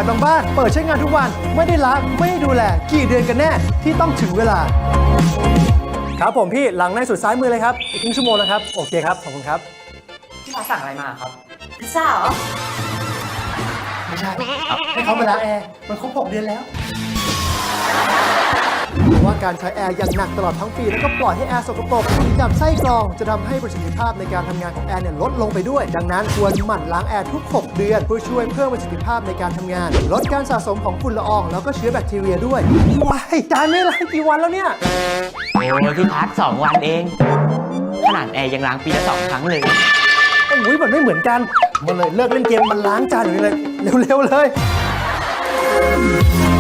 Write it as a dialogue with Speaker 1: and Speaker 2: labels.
Speaker 1: บางบ้านเปิดใช้งานทุกวันไม่ได้ล้างไม่ได้ดูแลกี่เดือนกันแน่ที่ต้องถึงเวลาครับผมพี่หลังในสุดซ้ายมือเลยครับอีกครึ่งชั่วโมงนะครับโอเคครับขอบคุณครับ
Speaker 2: พี่ฟ้าสั่งอะไรมาครับ
Speaker 3: พิซซ่าเหรอ
Speaker 1: ไม่ใช่ให้เขามาล้างแอร์มันครบ6 เดือนแล้วว่าการใช้แอร์อย่างหนักตลอดทั้งปีแล้วก็ปล่อยให้แอร์สกปรกกับไส้กรองจะทำให้ประสิทธิภาพในการทำงานของแอร์เนี่ยลดลงไปด้วยดังนั้นควรหมั่นล้างแอร์ทุก6 เดือนเพื่อช่วยเพิ่มประสิทธิภาพในการทำงานลดการสะสมของฝุ่นละอองแล้วก็เชื้อแบคทีเรียด้วยว้ายจานไม่ล้างกี่วันแล้วเนี่ย
Speaker 2: โอ้ยพี่พัก2 วันเอง ขนาดแอร์ยังล้างปีละ2 ครั้งเลย
Speaker 1: โอ้ยมันไม่เหมือนกันมันเลยเลิกเล่นเกมมันล้างจานอยู่นี่เลยเร็วๆเลย